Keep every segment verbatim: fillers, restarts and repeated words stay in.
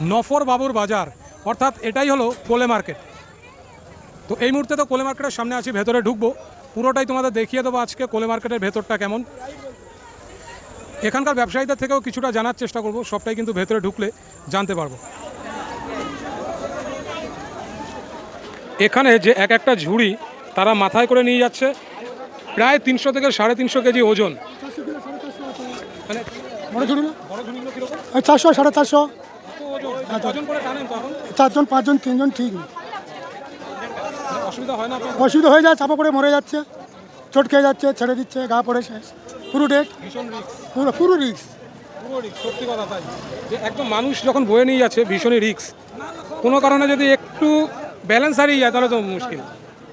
নফর বাবুর বাজার, অর্থাৎ এটাই হলো কোলে মার্কেট। তো এই মুহূর্তে তো কোলে মার্কেটের সামনে আছি, ভেতরে ঢুকবো, পুরোটাই তোমাদের দেখিয়ে দেবো আজকে কোলে মার্কেটের ভেতরটা কেমন। এখানকার ব্যবসায়ীদের থেকেও কিছুটা জানার চেষ্টা করব, সবটাই কিন্তু ভেতরে ঢুকলে জানতে পারবো। এখানে যে এক একটা ঝুড়ি তারা মাথায় করে নিয়ে যাচ্ছে, প্রায় তিনশো থেকে সাড়ে তিনশো কেজি ওজন। মানে বড় ঝুড়ি না, বড় ঝুড়িগুলো কীরকম? চারশো সাড়ে চারশো, ওজন করে টানেন তো এখন? চারজন পাঁচজন তিনজন ঠিক নেই, অসুবিধা হয় না আপনার? অসুবিধা হয়ে যায়, চাপা পড়ে মরে যাচ্ছে, চোট খেয়ে যাচ্ছে, ছেড়ে দিচ্ছে, গা পড়ে শেষ, পুরো ডেট, ভীষণ রিস্ক, পুরো পুরো রিস্ক, পুরো রিস্ক, সত্যি কথা। তাই যে একদম মানুষ যখন বয়ে নিয়ে যাচ্ছে ভীষণই রিস্ক, কোনো কারণে যদি একটু ব্যালেন্স হারিয়ে যায় তাহলে তো মুশকিল।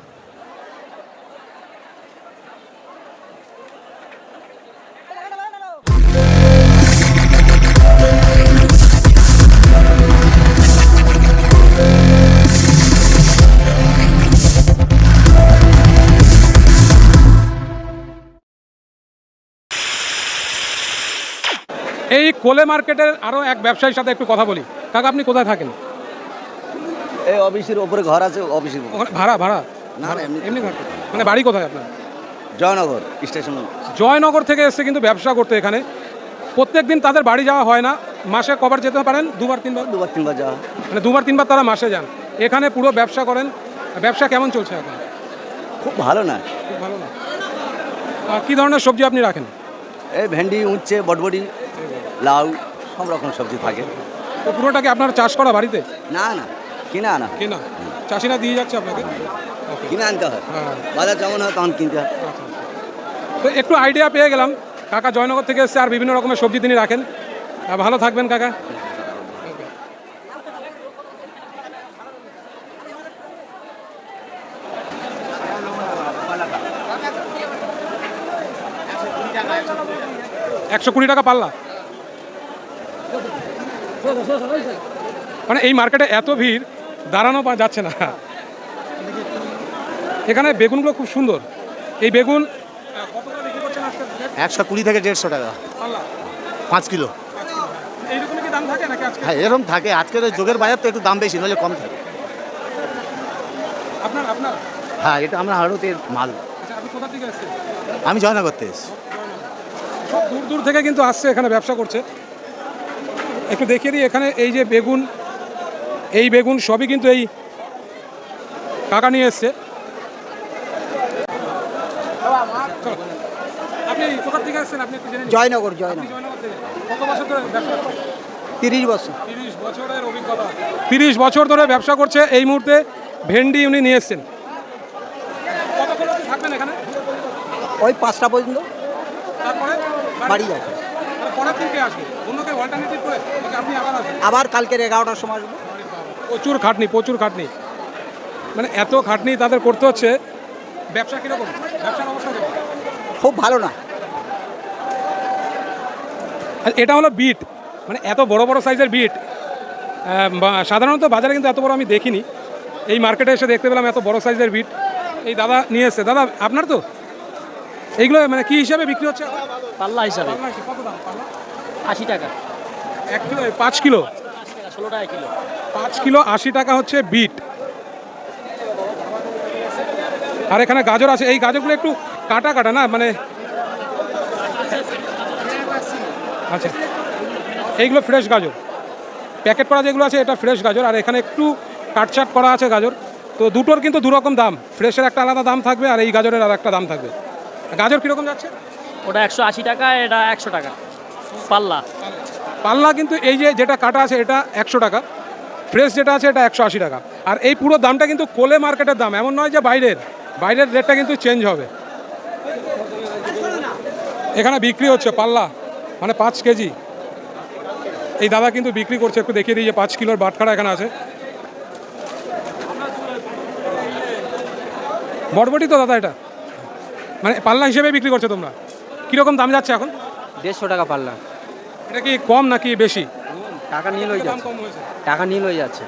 এই কোলে মার্কেটের আরও এক ব্যবসায়ীর সাথে একটু কথা বলি। কাকা, আপনি কোথায় থাকেন? এই অফিসের ওপরে ঘর আছে, অফিসের ওখানে ভাড়া ভাড়া না না, এমনি এমনি ঘর? মানে বাড়ি কোথায় আপনার? জয়নগর স্টেশন। জয়নগর থেকে এসছে কিন্তু ব্যবসা করতে এখানে। প্রত্যেক দিন তাদের বাড়ি যাওয়া হয় না, মাসে কবার যেতে পারেন? দুবার তিনবার? দুবার তিনবার যাওয়া, মানে দুবার তিনবার তারা মাসে যান, এখানে পুরো ব্যবসা করেন। ব্যবসা কেমন চলছে এখন? খুব ভালো না। খুব ভালো না। আর কী ধরনের সবজি আপনি রাখেন? এই ভেন্ডি, উচ্ছে, বটবটি, লাউ, সব রকম সবজি থাকে। তো পুরোটা কি আপনার চাষ করা বাড়িতে? না না, কিনে আনা, কেনা? চাষিরা দিয়ে যাচ্ছে আপনাকে? কিনে আনতে হয়, হ্যাঁ। বাজার যেমন হয় তখন কিনতে হয়। আচ্ছা, তো একটু আইডিয়া পেয়ে গেলাম। কাকা জয়নগর থেকে এসছে আর বিভিন্ন রকমের সবজি তিনি রাখেন। আর ভালো থাকবেন কাকা। একশো কুড়ি টাকা পাল্লা। মানে এই মার্কেটে এত ভিড়, দাঁড়ানো পা যাচ্ছে না। এখানে বেগুনগুলো খুব সুন্দর। এই বেগুন একশো কুড়ি থেকে দেড়শো টাকা পাল্লা, পাঁচ কিলো। এইরকমই কি দাম থাকে নাকি আজকে? হ্যাঁ, এরকম থাকে। আজকের ওই যোগের বাজার তো একটু দাম বেশি, নইলে কম থাকে। আপনার আপনার হ্যাঁ, এটা আমরা হাড়তের মাল। আচ্ছা, আপনি কোথা থেকে আসছেন? আমি জয়নগর থেকে এসেছি। সব দূর দূর থেকে কিন্তু আসছে, এখানে ব্যবসা করছে। একটু দেখিয়ে দিই, এখানে এই যে বেগুন, এই বেগুন সবই কিন্তু এই কাকা নিয়ে এসছে। আপনি কোথা থেকে আসছেন? আপনি একটু জেনে নিন। জয়নগর, আপনি জয়নগর, জয়নগর থেকে কত বছর ধরে ব্যবসা করছেন? তিরিশ বছর। তিরিশ বছরের অভিজ্ঞতা। তিরিশ বছর ধরে ব্যবসা করছে। এই মুহূর্তে ভেন্ডি উনি নিয়ে এসছেন। কতক্ষণ আপনি থাকবেন এখানে? ওই পাঁচটা পর্যন্ত তারপরে বাড়ি যাবে, তারপরে পরের দিন কে আসবে? অন্যকে অল্টারনেটিভ করে নাকি আপনি আবার আসবেন? আবার কালকের এগারোটার সময় আসবো। প্রচুর খাটনি, প্রচুর খাটনি। মানে এত খাটনি তাদের করতে হচ্ছে। ব্যবসা কীরকম? ব্যবসার অবস্থা কেমন? খুব ভালো না। আর এটা হলো বিট, মানে এত বড় বড় সাইজের বিট সাধারণত বাজারে কিন্তু এত বড় আমি দেখিনি। এই মার্কেটে এসে দেখতে পেলাম এত বড় সাইজের বিট। এই দাদা নিয়ে এসছে। দাদা, আপনার তো এইগুলো মানে কি হিসাবে বিক্রি হচ্ছে? পাল্লা হিসাবে পাল্লা হিসেবে কত দাম পাল্লা? আশি টাকা, এক কিলো, পাঁচ কিলো? ষোলো টাকা কিলো। পাঁচ কিলো আশি টাকা হচ্ছে বিট। আর এখানে গাজর আছে। এই গাজরগুলো একটু কাটা কাটা না, মানে আচ্ছা, এইগুলো ফ্রেশ গাজর। প্যাকেট করা যেগুলো আছে এটা ফ্রেশ গাজর, আর এখানে একটু কাটছাট করা আছে গাজর। তো দুটোর কিন্তু দুরকম দাম। ফ্রেশের একটা আলাদা দাম থাকবে আর এই গাজরের আর একটা দাম থাকবে। গাজর কীরকম যাচ্ছে? ওটা একশো আশি টাকা, এটা একশো টাকা পাল্লা। পাল্লা কিন্তু এই যে যেটা কাটা আছে এটা একশো টাকা, ফ্রেশ যেটা আছে এটা একশো আশি টাকা। আর এই পুরো দামটা কিন্তু কোলে মার্কেটের দাম, এমন নয় যে বাইরের। বাইরের রেটটা কিন্তু চেঞ্জ হবে। এখানে বিক্রি হচ্ছে পাল্লা, মানে পাঁচ কেজি। এই দাদা কিন্তু বিক্রি করছে। একটু দেখিয়ে দিই যে পাঁচ কিলোর বাটখারা এখানে আছে। বটবটি তো দাদা এটা, মানে পাল্লা হিসেবে বিক্রি করছো তোমরা? কীরকম দাম যাচ্ছে এখন? দেড়শো টাকা পাল্লা। এটা কি কম নাকি বেশি? টাকা নীল হয়ে দাম যাচ্ছে, কম হয়েছে। টাকা নীল হয়ে যাচ্ছে।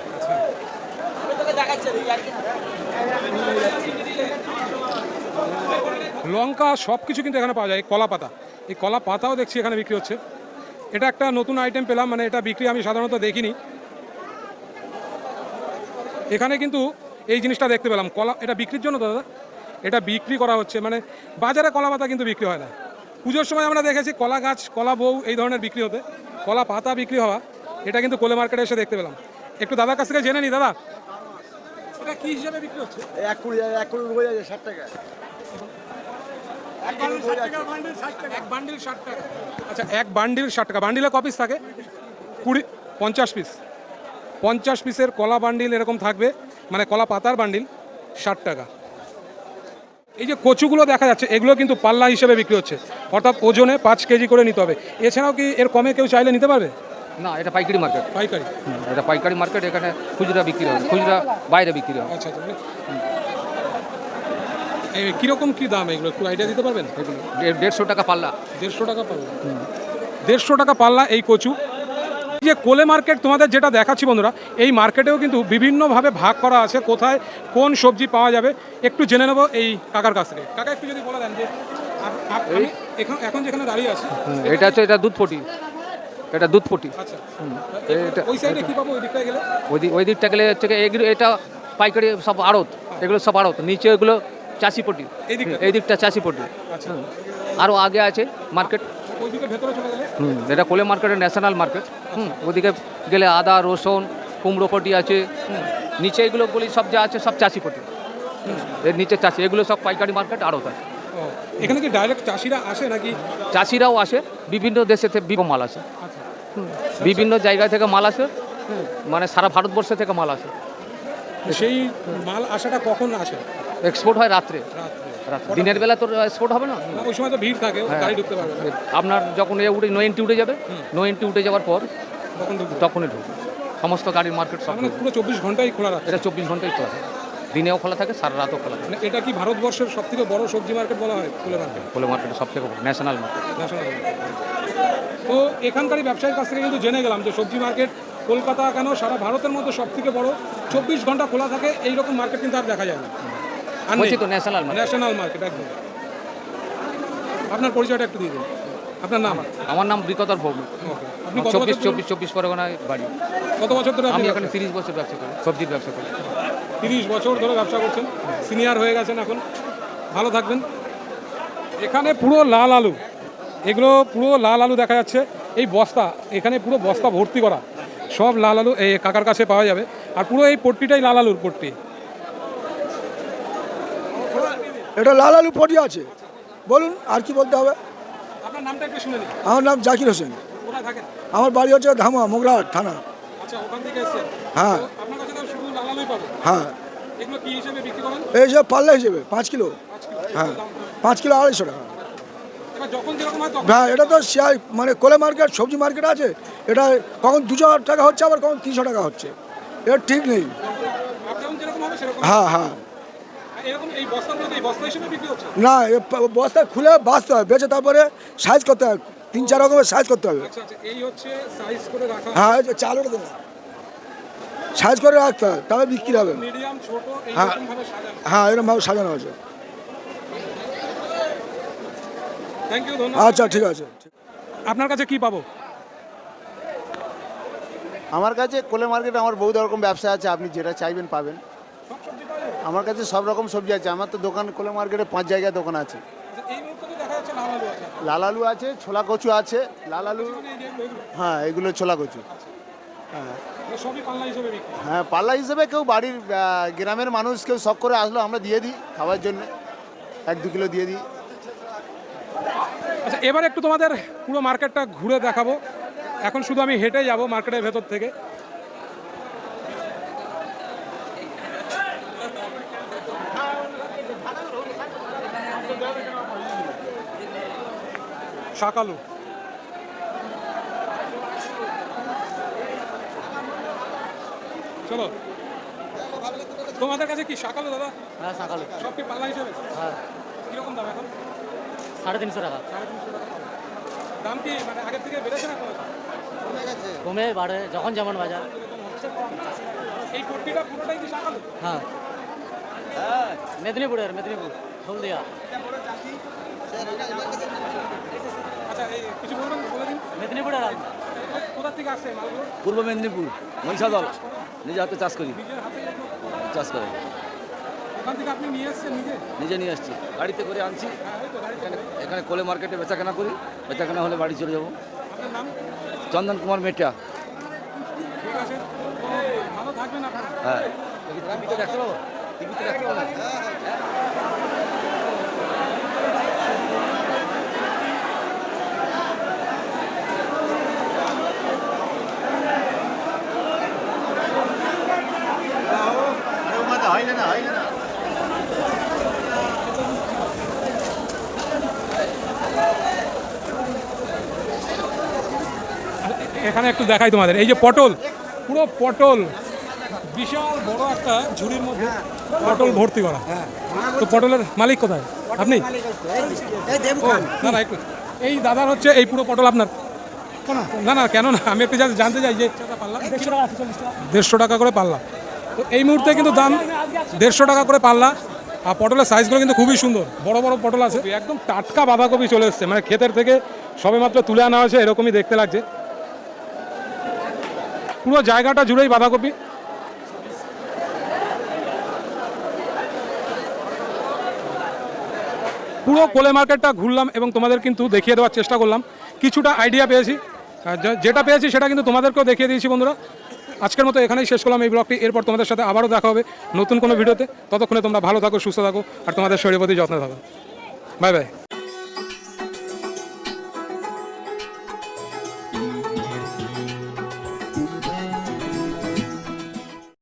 লঙ্কা সব কিছু কিন্তু এখানে পাওয়া যায়। কলা পাতা, এই কলা পাতাও দেখছি এখানে বিক্রি হচ্ছে। এটা একটা নতুন আইটেম পেলাম, মানে এটা বিক্রি আমি সাধারণত দেখিনি। এখানে কিন্তু এই জিনিসটা দেখতে পেলাম, কলা, এটা বিক্রির জন্য তো দাদা? এটা বিক্রি করা হচ্ছে, মানে বাজারে কলা পাতা কিন্তু বিক্রি হয় না। পুজোর সময় আমরা দেখেছি কলা গাছ, কলা বউ এই ধরনের বিক্রি হতে, কলা পাতা বিক্রি হওয়া এটা কিন্তু কোলে মার্কেটে এসে দেখতে পেলাম। একটু দাদার কাছ থেকে জেনে নি, দাদা এটা কি হিসাবে বিক্রি হচ্ছে? এক কুড়ি এক কুড়ি হয়ে যাচ্ছে ষাট টাকা। এক বান্ডিল ষাট টাকা। আচ্ছা, এক বান্ডিল ষাট টাকা। বান্ডিলে ক পিস থাকে? কুড়ি, পঞ্চাশ পিস। পঞ্চাশ পিসের কলা বান্ডিল এরকম থাকবে, মানে কলা পাতার বান্ডিল ষাট টাকা। এই যে কচুগুলো দেখা যাচ্ছে, এগুলো কিন্তু পাল্লা হিসেবে বিক্রি হচ্ছে, অর্থাৎ ওজনে পাঁচ কেজি করে নিতে হবে। এছাড়াও কি এর কমে কেউ চাইলে নিতে পারবে? না, এটা পাইকারি মার্কেট। পাইকারি? এটা পাইকারি মার্কেট, এখানে খুচরা বিক্রি হয়, খুচরা বাইরে বিক্রি হয়। আচ্ছা আচ্ছা, মানে এই কীরকম কী দাম এগুলো একটু আইডিয়া দিতে পারবেন? দেড়- দেড়শো টাকা পাল্লা। দেড়শো টাকা পাল্লা? দেড়শো টাকা পাল্লা এই কচু। এই যে কোলে মার্কেট তোমাদের যেটা দেখাচ্ছি বন্ধুরা, এই মার্কেটেও কিন্তু বিভিন্নভাবে ভাগ করা আছে, কোথায় কোন সবজি পাওয়া যাবে একটু জেনে নেবো এই কাকার কাছ থেকে। কাকা একটু যদি বলে দেন যে আপ- আপ- আমি এখন এখন যেখানে দাঁড়িয়ে আছি এটা হচ্ছে এটা দুধ পটি, এটা দুধ পটি। আচ্ছা, এটা- ওই সাইডে কি পাবো ওই দিকটায় গেলে? ওই দিক ওই দিকটা গেলে হচ্ছে গিয়ে এগুলো, এটা পাইকারি সব আড়ত, এগুলো সব আড়ত। নিচে এগুলো চাষি পটি, এই দিকটা? এই দিকটা চাষি পটি। আচ্ছা, আরও আগে আছে মার্কেট। ওই দিকে ভেতরে চলে গেলে? হুম, এটা কোলে মার্কেটের ন্যাশনাল মার্কেট। হুম, ওদিকে গেলে আদা, রসুন, কুমড়ো পটি আছে। হুম, নিচে এগুলো বলি সব যা আছে সব চাষি পটি। হুম, এর নিচে চাষি, এগুলো সব পাইকারি মার্কেট আড়ত আছে। ও, এখানে কি ডাইরেক্ট চাষিরা আসে নাকি? চাষিরাও আসে, বিভিন্ন দেশে থেকে বিভিন্ন মাল আসে। আচ্ছা, হুম, বিভিন্ন জায়গা থেকে মাল আসে। হুম, মানে সারা ভারতবর্ষ থেকে মাল আসে। সেই মাল আসাটা কখন আসে? এক্সপোর্ট হয় রাত্রে। রাত্রে? রাত্রে দিনের বেলা তো এক্সপোর্ট হবে না। না, ওই সময় তো ভিড় থাকে, হ্যাঁ। গাড়ি ঢুকতে পারবে না। আপনার যখন এ উঠে নো এন্ট্রি উঠে যাবে, নো এন্ট্রি উঠে যাওয়ার পর তখন ঢুকবে? তখনই ঢুকবে সমস্ত গাড়ির মার্কেট সব মানে ঢুকবে। পুরো চব্বিশ ঘন্টাই খোলা রাখে? এটা চব্বিশ ঘন্টাই খোলা থাকে, দিনেও খোলা থাকে, সারা রাতও খোলা থাকে। মানে এটা কি ভারতবর্ষের সব থেকে বড় সবজি মার্কেট বলা হয় কোলে মার্কেট? কোলে মার্কেট সব থেকে ন্যাশনাল মার্কেট। National market. তো এখানকারই ব্যবসায়ীর কাছ থেকে কিন্তু জেনে গেলাম যে সবজি মার্কেট কলকাতা কেন সারা ভারতের মধ্যে সব থেকে বড়, চব্বিশ ঘন্টা খোলা থাকে, এইরকম মার্কেট কিন্তু আর দেখা যায় না। আর বলছি তো ন্যাশনাল মার্কেট। ন্যাশনাল মার্কেট একদম। আপনার পরিচয়টা একটু দিয়ে দিন, আপনার নাম? আমার নাম বিকতর ভৌমিক। ওকে। আপনি কত চব্বিশ বছর চব্বিশ চব্বিশ পরগনায় বাড়ি। কত বছর ধরে আমি আপনি এখানে তিরিশ বছর ব্যবসা করি, সবজির ব্যবসা করি। তিরিশ বছর ধরে ব্যবসা করছেন, সিনিয়র হয়ে গেছেন এখন, ভালো থাকবেন। এখানে পুরো লাল আলু, এগুলো পুরো লাল আলু দেখা যাচ্ছে, এই বস্তা, এখানে পুরো বস্তা ভর্তি করা সব লাল আলু এই কাকার কাছে পাওয়া যাবে। আর পুরো এই পট্টিটাই লাল আলুর পট্টি। এটা লাল আলু পটি আছে। বলুন আর কি বলতে হবে? আপনার নামটা একটু শুনে নিন। আমার নাম জাকির হোসেন। কোথায় থাকেন? আমার বাড়ি হচ্ছে ধামা, মোগরাহাট থানা। আচ্ছা, ওখান থেকে এসেছেন? হ্যাঁ। তো আপনার কাছে তো শুধু লাল আলুই পাবে? হ্যাঁ, এগুলো কি হিসেবে বিক্রি করেন? এই যে পাল্লা হিসেবে পাঁচ কিলো। পাঁচ কিলো? হ্যাঁ, দাম কত? পাঁচ কিলো আড়াইশো টাকা। এবার যখন যেরকম হয় তখন? হ্যাঁ, এটা তো শেয়ার মানে কোলে মার্কেট, সবজি মার্কেট আছে। এটা কখন দুশো টাকা হচ্ছে, আবার কখন তিনশো টাকা হচ্ছে, এটা ঠিক নেই। যখন যেরকম হবে সেরকম? হ্যাঁ হ্যাঁ। আর এরকম এই বস্তাগুলোতে এই বস্তা হিসেবে বিক্রি হচ্ছে? না, এ প- বস্তা খুলে বাঁচতে হবে, বেঁচে তারপরে সাইজ করতে হবে, তিন চার রকমের সাইজ করতে হবে। আচ্ছা আচ্ছা, এই হচ্ছে সাইজ করে রাখা। হ্যাঁ, এই যে চাল ওটা দেন, সাইজ করে রাখতে হবে, তবে বিক্রি হবে। মিডিয়াম, ছোট, হ্যাঁ। এইরকম ভাবে সাজানো। হ্যাঁ, এরকমভাবে সাজানো আছে। থ্যাংক ইউ, ধন্যবাদ। আচ্ছা, ঠিক আছে। আপনার কাছে কি পাবো? আমার কাছে কোলে মার্কেটে আমার বহু রকম ব্যবসা আছে, আপনি যেটা চাইবেন পাবেন। সব সবজি পাওয়া যাবে? আমার কাছে সব রকম সবজি আছে। আমার তো দোকান কোলে মার্কেটে পাঁচ জায়গায় দোকান আছে। আচ্ছা, এই মুহূর্তে তো দেখা যাচ্ছে লাল আলু আছে। লাল আলু আছে, ছোলা কচু আছে। লাল আলু, মানে এই যে এগুলো, হ্যাঁ এগুলো ছোলা কচু। হ্যাঁ এগুলো সবই পাল্লা হিসেবে বিক্রি। হ্যাঁ, পাল্লা হিসেবে কেউ বাড়ির আহ, গ্রামের মানুষ কেউ শখ করে আসলো আমরা দিয়ে দিই খাওয়ার জন্য, এক দু কিলো দিয়ে দিই। আচ্ছা, এবার একটু তোমাদের পুরো মার্কেটটা ঘুরে দেখাবো। এখন শুধু আমি হেঁটে যাব মার্কেটের ভেতর থেকে। শাকালু, চলো। তোমাদের কাছে কি শাকালু দাদা? হ্যাঁ, সকালে। সব কি পাল্লা হিসেবে? হ্যাঁ, কিরকম দাম এখন? সাড়ে তিনশো টাকা। সাড়ে তিনশো টাকা পাল্লা। দাম কি মানে আগের থেকে বেড়েছে না কমেছে? কমে বাড়ে, যখন যেমন বাজার। এই পট্টিটা পুরোটাই কি শাকালু? হ্যাঁ, মেদিনীপুরের, মেদিনীপুর হলদিয়া। আচ্ছা, এই কিছু বলবেন, বলে দিন। মেদিনীপুরের আলু। কোথা থেকে আসছে মালগুলো? পূর্ব মেদিনীপুর মহিষাদল, নিজে হাতে চাষ করি। নিজের হাতে এগুলো চাষ করে ওখান থেকে আপনি নিয়ে এসেছেন নিজে? নিজে নিয়ে আসছি গাড়িতে করে আনছি এখানে এখানে কোলে মার্কেটে বেচাকেনা করি বেচাকেনা হলে বাড়ি চলে যাবো। আপনার নাম? চন্দন কুমার মেটা। ঠিক আছে, তো ভালো থাকবেন আপনারা। হ্যাঁ টিভিতে দেখতে পাবো টিভিতে দেখতে পাবো হয় না হয় না এখানে একটু দেখাই তোমাদের, এই যে পটল, পুরো পটল, বিশাল বড় একটা ঝুড়ির মধ্যে পটল ভর্তি করা। তো পটলের মালিক কোথায়? আপনি? ও, না না একটু, এই দাদার হচ্ছে এই পুরো পটল আপনার? না না কেন না, আমি একটু জাস্ট জানতে চাই যে দেড়শো টাকা করে পাল্লা। তো এই মুহূর্তে কিন্তু দাম দেড়শো টাকা করে পাল্লা। আর পটলের সাইজগুলো কিন্তু খুবই সুন্দর, বড় বড় পটল আছে, একদম টাটকা বাঁধাকপি চলে এসছে, মানে ক্ষেতের থেকে সবেমাত্র তুলে আনা হয়েছে, এরকমই দেখতে লাগছে। পুরো জায়গাটা জুড়েই বাঁধাকপি। পুরো কোলে মার্কেটটা ঘুরলাম এবং তোমাদের কিন্তু দেখিয়ে দেওয়ার চেষ্টা করলাম, কিছুটা আইডিয়া পেয়েছি, আর যে- যেটা পেয়েছি সেটা কিন্তু তোমাদেরকেও দেখিয়ে দিয়েছি বন্ধুরা। আজকের মতো এখানেই শেষ করলাম এই ব্লগটি। এরপর তোমাদের সাথে আবারও দেখা হবে নতুন কোনো ভিডিওতে। ততক্ষণে তোমরা ভালো থাকো, সুস্থ থাকো, আর তোমাদের শরীরের প্রতি যত্ন থাকো। Bye by.